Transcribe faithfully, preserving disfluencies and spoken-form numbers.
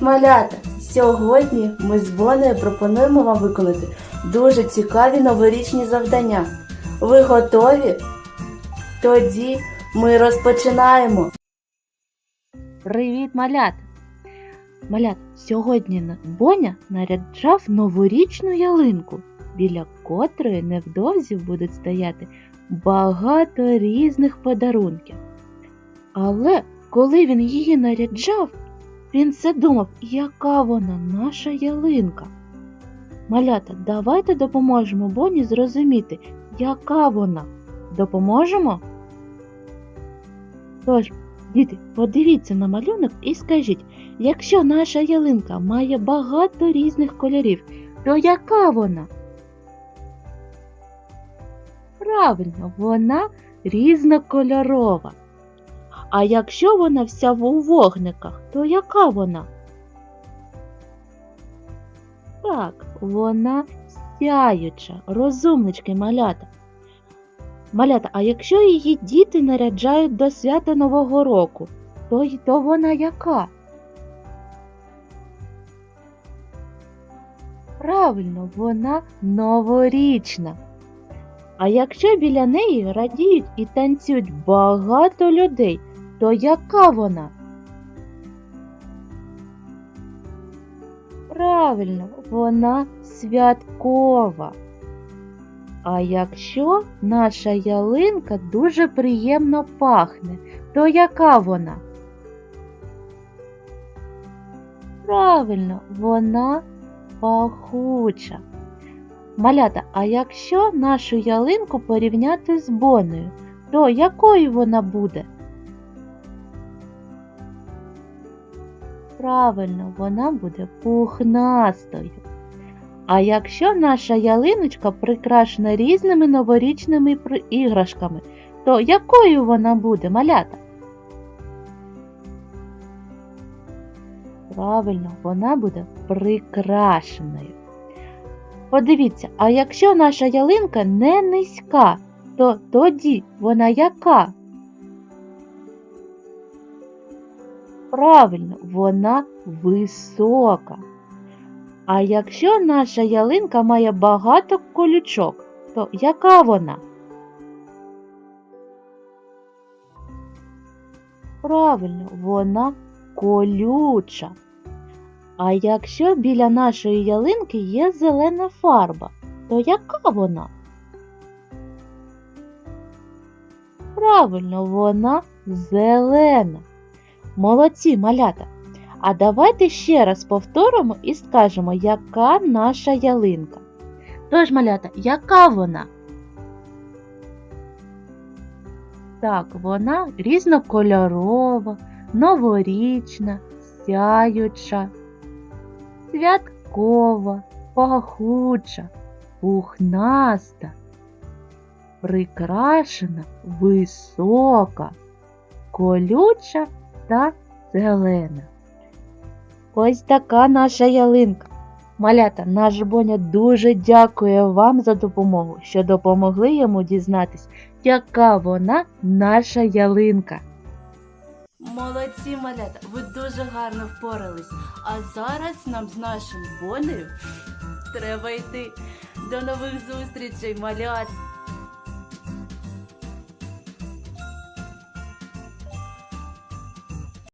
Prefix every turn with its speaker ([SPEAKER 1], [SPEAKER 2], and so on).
[SPEAKER 1] малята! Сьогодні ми з Бонею пропонуємо вам виконати дуже цікаві новорічні завдання. Ви готові? Тоді ми розпочинаємо!
[SPEAKER 2] Привіт, малята! Малят, сьогодні Боня наряджав новорічну ялинку, біля котрої невдовзі будуть стояти багато різних подарунків. Але коли він її наряджав, він все думав, яка вона наша ялинка. Малята, давайте допоможемо Боні зрозуміти, яка вона. Допоможемо? Тож, діти, подивіться на малюнок і скажіть, якщо наша ялинка має багато різних кольорів, то яка вона? Правильно, вона різнокольорова. А якщо вона вся у вогниках, то яка вона? Так, вона сяюча, розумнички, малята. Малята, а якщо її діти наряджають до свята Нового року, то, то вона яка? Правильно, вона новорічна. А якщо біля неї радіють і танцюють багато людей, то яка вона? Правильно, вона святкова. А якщо наша ялинка дуже приємно пахне, то яка вона? Правильно, вона пахуча. Малята, а якщо нашу ялинку порівняти з Бонею, то якою вона буде? Правильно, вона буде пухнастою. А якщо наша ялиночка прикрашена різними новорічними іграшками, то якою вона буде, малята? Правильно, вона буде прикрашеною. Подивіться, а якщо наша ялинка не низька, то тоді вона яка? Правильно, вона висока. А якщо наша ялинка має багато колючок, то яка вона? Правильно, вона колюча. А якщо біля нашої ялинки є зелена фарба, то яка вона? Правильно, вона зелена. Молодці, малята! А давайте ще раз повторимо і скажемо, яка наша ялинка. Тож, малята, яка вона? Так, вона різнокольорова, новорічна, сяюча, святкова, пахуча, пухнаста, прикрашена, висока, колюча та зелена. Ось така наша ялинка. Малята, наш Боня дуже дякує вам за допомогу, що допомогли йому дізнатись, яка вона наша ялинка.
[SPEAKER 1] Молодці, малята, ви дуже гарно впорались. А зараз нам з нашим Бонею треба йти. До нових зустрічей, малят!